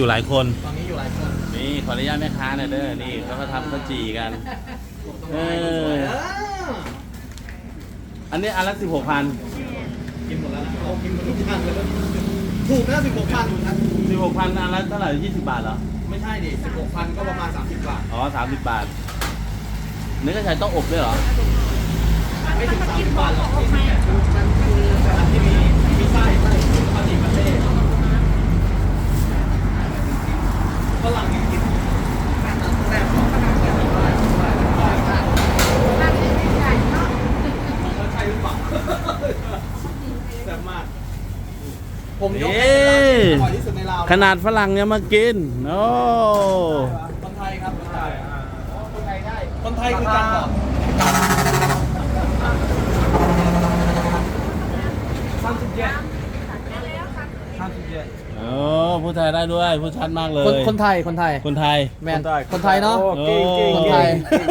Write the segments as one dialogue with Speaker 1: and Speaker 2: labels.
Speaker 1: อยู่หลายคน
Speaker 2: ตอนนี้อยู่หลายคน
Speaker 1: นี่ขออนุญาตแม่ค้าหน่อยเด้อนี่เขาก็ทำข้าวจี่กันอันนี้อันละ16,000
Speaker 2: กินหมดแล้วนะโอ้กินหมดทุกอย่างเลยถูกนะ16,000ถูกนะ
Speaker 1: 16,000อันละเท่าไหร่20 บาทเหรอ
Speaker 2: ไม่ใช่ดิ16,000ก็ประมาณ30 บาท
Speaker 1: อ๋อ30 บาทเนื้อกระชายต้องอบด้วยเหรอ
Speaker 2: ไม่ถึง30 บาทหรอกที่เนี่ยแบบที่มีไส้ข้าวจี่ประเทศฝรั่งยังกินแซ่บเขาใช่หรือเปล่าแซ่บมากผมยกให้เป็นร้านที่อร่อยที่สุดในลาว
Speaker 1: ขนาดฝรั่งยังมากินโอ้
Speaker 2: คนไทยครับคนไทยคนไทยได้คนไทยคือการบอก
Speaker 1: โอ้พูดไทยได้ด้วยพูดชัดมากเลย
Speaker 2: คนไทยคนไทย
Speaker 1: คนไทย
Speaker 2: แมนคนไทยเนาะ
Speaker 1: เก่งเก่ง
Speaker 2: คนไทย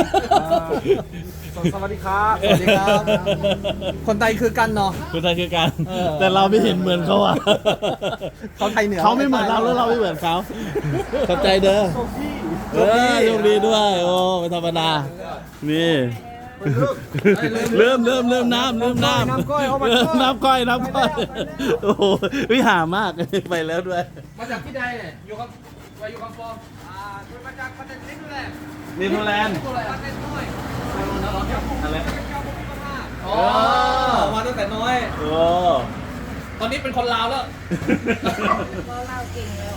Speaker 3: สวัสดีครับ
Speaker 2: สวัสดีครับ คนไทยคือกันเนาะ
Speaker 1: คนไทยคือกันแต่เราไม่เห็นเหมือนเขาอ่ะ
Speaker 2: เขาไทยเหนือ
Speaker 1: เขาไม่เหมือนเราแล้วเราไม่เหมือนเขาเข้าใจเด้อโชคดีด้วยโอ้ไม่ธรรมดานี่เริ่มน้ำน้ำก้อยโอ้โหวิหามากไปแล้วด้วย
Speaker 2: มาจากที่ใดเนี่ยอยู่กับอยู่กับฟอร์มาจากประเทศนี้ด้วยแหละ
Speaker 1: นิวซีแลนด์
Speaker 2: ประเทศน้อย
Speaker 1: อะไร
Speaker 2: อ๋อมาตั้งแต่น้อย
Speaker 1: โอ้
Speaker 2: ตอนนี้เป็นคนลาวแล้ว
Speaker 4: เราเก่งแล้ว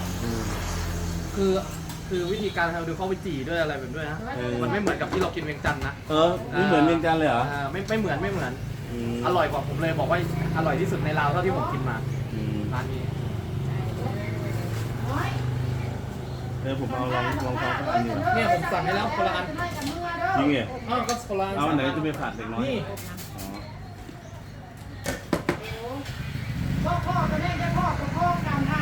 Speaker 2: คือวิธีการทำดูเข้าไปจี่ด้วยอะไรแบบด้วยนะมันไม่เหมือนกับที่เรากินเวียงจันทร์นะ
Speaker 1: ไม่เหมือนเวียงจันทร์เลยเหรอ
Speaker 2: ไม่เหมือนอร่อยกว่าผมเลยบอกว่าอร่อยที่สุดในลาวเท่าที่ผมกินมาร้านนี้
Speaker 1: ผมเอาลองฟังสักอันหนึ่ง
Speaker 2: เนี่ยผมสั่งให้แล้วคนละอัน
Speaker 1: จริงเหรอ
Speaker 2: อ้าวก็คนละอัน
Speaker 1: เอาอันไหนจะไปผัดเด็กน้อย
Speaker 2: นี่
Speaker 4: พ่อก็ได้จะพ่อกันค่ะ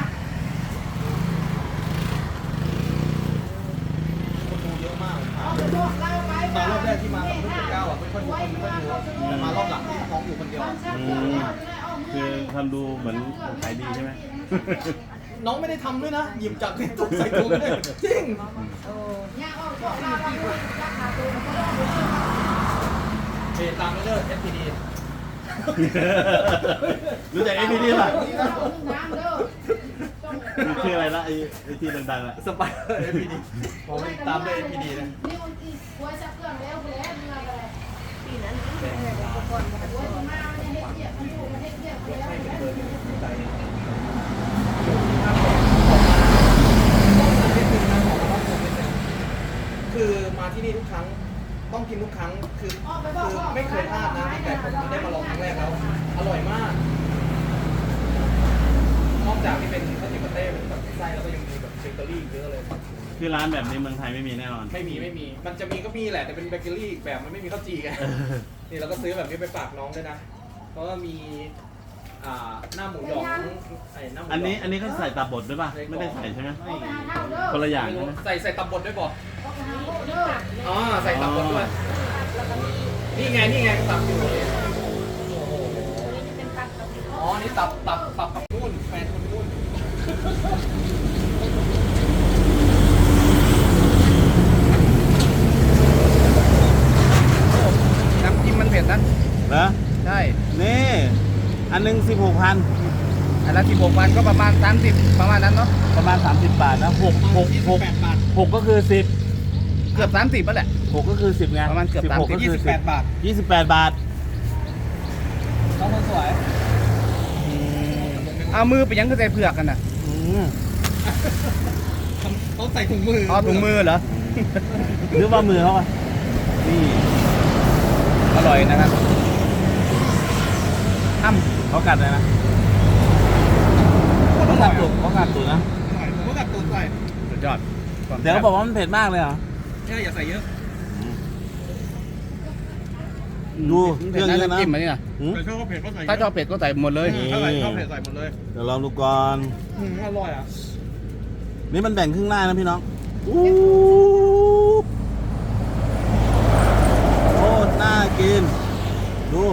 Speaker 2: คนดูเยอะมาก
Speaker 4: เอาไปบอกเราไป
Speaker 2: ตอนรอบแรกที่มากับเพื่อนเก้าอ่ะไม่ค่อยดูแต่มารอบหลังที่ท้องอยู่คนเดียว
Speaker 1: คือทำดูเหมือนขายดีใช่ไหม
Speaker 2: น้องไม่ได้ทำด้วยนะ หยิบจากในตู้ใส่ถุงเลยจริง
Speaker 4: เนี่ยเอาบอกเราไปราคาตัวมันก็ต้อง
Speaker 2: เตามไปเลย FPD
Speaker 1: รู้จัก APD ป่ะ
Speaker 4: น้ำเด้อ
Speaker 1: ชื่ออะไรละไอ้ที่ดังๆอ่ะ
Speaker 2: สไปเดอร์ FPD ผมตามด้วย FPD นะ
Speaker 4: นี่มันอีกหัวชักเครื่องแล้วแล้วเมื่อไรปีนั้นหัวจะมาเนี่ยเฮ็ดเหี้ยมันอยู่มันเฮ็ดเหี้ยแล้ว
Speaker 2: คือมาที่นี่ทุกครั้งต้องกินทุกครั้งคือไม่เคยพลาดนะแต่ผมได้มาลองครั้งแรกแล้วอร่อยมากนอกจากที่เป็นข้าวจี่ปาเต้เป็นแบบไส้แล้วก็ยังมีแบบเบเกอรี่เยอะเลย
Speaker 1: คือร้านแบบนี้เมืองไทยไม่มีแน่นอน
Speaker 2: ไม่มีมันจะมีก็มีแหละแต่เป็นเบเกอรี่แบบมันไม่มีข้าวจี่ไงนี่เราก็ซื้อแบบนี้ไปฝากน้องด้วยนะเพราะว่ามีหน้าหมูหยองไอ้หน้าหมูหยอง
Speaker 1: อันนี้เขาใส่ตับบดด้วยป่ะไม่ได้ใส่ใช่ไหม
Speaker 4: เอาไปหาเท่าเด้อ
Speaker 1: คนละอย่าง
Speaker 2: ไม่
Speaker 1: ใช่
Speaker 2: รู้
Speaker 1: ไหม
Speaker 2: ใส่ตับบดด้วยบอก
Speaker 4: เอาไปหาโลเด้อ
Speaker 2: อ๋อใส่ตับบดด้วยนี่ไงตับอยู่เลยโอ้โห
Speaker 4: เป็นตับกับ
Speaker 2: อ๋อ นี่ตับกับนู่นแฟนคนนู่นน้ำจิ้มมันเผ็ดนะ
Speaker 1: เหรอ
Speaker 2: ใช่
Speaker 1: นี่อันหนึง16,000
Speaker 2: อันละ16,000ก็ประมาณ30ประมาณนั้นเนาะ
Speaker 1: ประมาณ30 บาทนะ6
Speaker 2: บาท
Speaker 1: ก็คือ10
Speaker 2: เกือบ30แล้วแหละ
Speaker 1: 6ก็คือ10ไง
Speaker 2: ประมาณเกือบ
Speaker 1: 16ก็คือ
Speaker 2: 28 บาท
Speaker 1: 28 บาท
Speaker 2: น้องคนสวยเอามือไปยังก็ใส่เผือกกันน่ะ เขาใส่ถุงมืออ๋อถุงมือเหรอ
Speaker 1: หรือว่ามือเขาอ่ะนี่
Speaker 2: อร่อยนะครับ
Speaker 1: เขากัดเลยนะเขากัดตุ่นะ
Speaker 2: ผมก็กัดตูดใส่สุดยอด
Speaker 1: เดี๋ยวเขาบอกว่ามันเผ็ดมากเลยเหรอ
Speaker 2: ใช่อย่าใส่เยอะ
Speaker 1: ดูเครื่องเยอะนะ
Speaker 2: จิ้มมานี่นะ
Speaker 1: หืม
Speaker 3: แต่ชอบเผ็ดก็ใส่
Speaker 2: ถ้าชอบเผ็ดก็ใส่หมดเลย
Speaker 3: ถ้าใส่ชอบเผ็ดใส่หมดเลย
Speaker 1: เดี๋ยวลองดูก่อน
Speaker 2: อร่อยอ่ะ
Speaker 1: นี่มันแบ่งครึ่งหน้านะพี่น้องอู้โคตรน่ากิน ดู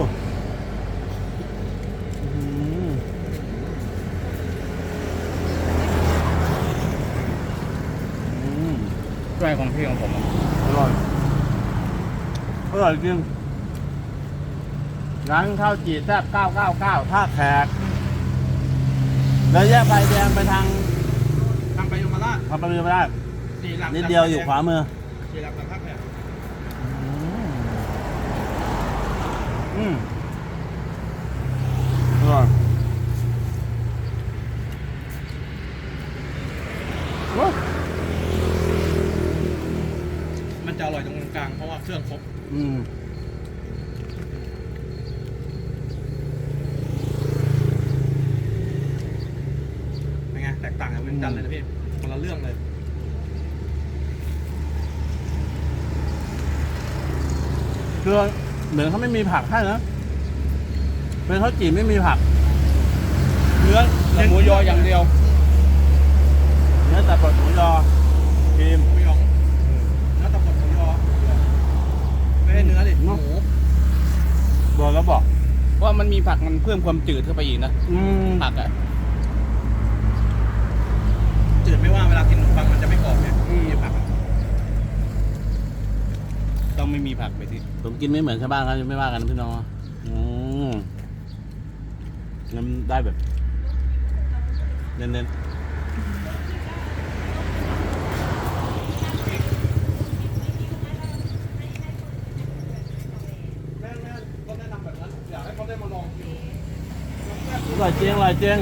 Speaker 3: ช่วยของพี่ของผม
Speaker 1: อร่อยอร่อยจริงร้านข้าวจี่แซ่บ999ท่าแขกแล้วแยกไฟแดงไปทาง
Speaker 2: ทางไปยมราช
Speaker 1: ทำไปไม่ได้
Speaker 2: สี่หลัก
Speaker 1: นิดเดียวอยู่ขวามือ
Speaker 2: สี่หลักจากท่าแพ
Speaker 1: อืมอร่อยโอ้ย
Speaker 2: มันจะอร่อยตรงกลางเพราะว่าเครื่องครบ
Speaker 1: อืม
Speaker 2: เป็นไงแตกต่างกับเวียงจันทร์เลยนะพี่คนละเรื่องเลย
Speaker 1: คือเหมือนเขาไม่มีผักให้นะเป็นข้าวจี่ไม่มีผัก เนื้อ
Speaker 3: หมูยออย่างเดียว
Speaker 1: เนื้อแต่บดหมูยอครีม
Speaker 2: หมูหยองเนื้อตะบดหมูยอไม่ได้เนื้อดิหมู
Speaker 1: โดนแล้วบอก
Speaker 3: เพราะมันมีผักมันเพิ่มความจืดเข้าไปอีกนะ ผักอ่ะ
Speaker 2: จืดไม่ว่าเวลากินขนมปังมันจะไม่กรอบเนี่ยมีผักอะ
Speaker 3: ต้องไม่มีผักไปที่
Speaker 1: ผมกินไม่เหมือนชาวบ้านเขาจะไม่ว่ากันนะพี่น้องงั้นได้แบบเน้นๆ
Speaker 2: แม่ก็แนะนำแบบนั้นอยากให้เขาได้มาลองกิน
Speaker 1: อร่อยจริงอร่อยจริง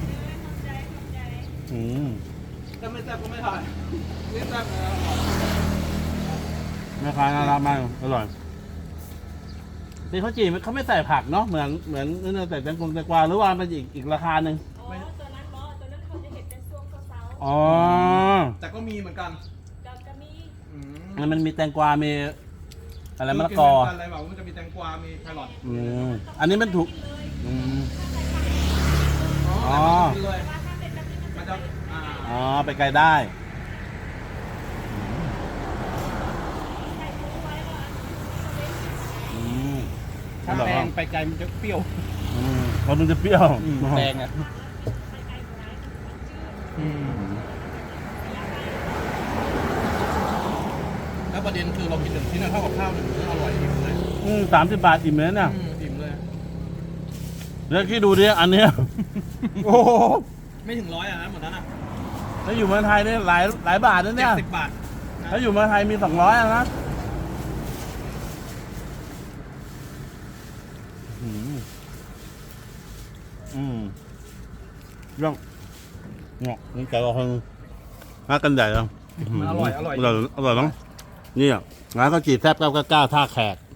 Speaker 1: อืม
Speaker 2: ถ้าไม่แซ่บก็ไม่ถ่ายนี่แซ่บเลย
Speaker 1: แม่ค้าน่ารักมากอร่อยเป็นข้าวจี่เขาไม่ใส่ผักเนาะเหมือนนั่นใส่แตงกวาหรือว่ามันอีกราคาหนึ่ง
Speaker 5: อ๋อตัวนั้นบอตัวนั้นเขาจะเห็นเป็นช่วงเช้า
Speaker 1: อ๋อ
Speaker 2: แต่ก็มีเหมือนกัน
Speaker 5: ๆจะมี
Speaker 1: มันมีแตงกวา มีอะไรมะละกอ
Speaker 2: อะไรแบบมันจะมีแตงกวา มีแครอท
Speaker 1: อันนี้มันถูกอ๋อ
Speaker 2: เลยมันจะ
Speaker 1: อ๋อ ไปไกลได้
Speaker 3: ถ้าแตงไปไกลมันจะเปรี้ยว
Speaker 1: เขาดูจะเปรี้ยว
Speaker 3: แตงอ่ะ
Speaker 2: แล้วประเด็นคือเรากินหนึ่งชิ้นเท่ากับข้าวหนึ่งมื้ออร่อยอิ่มเลย
Speaker 1: 30 บาทอิ่มเลยเนี่ย
Speaker 2: อิ่มเลย
Speaker 1: แล้วคิดดูดิอันเนี้ย โอ้โห
Speaker 2: ไม่ถึง100อ่ะนะหมดนั้นอ่ะ
Speaker 1: ถ้าอยู่เมืองไทยเนี่ยหลายบาทนะเนี่ย
Speaker 2: 70 บาท
Speaker 1: ถ้าอยู่เมืองไทยมี200อ่ะนะเรื่องเงาะนี่แกก็คงหากันใหญ่แล้ว
Speaker 2: มันอร่อย
Speaker 1: อร่อยมั้งนี่อ่ะร้านข้าวจี่แซ่บ999ท่าแขก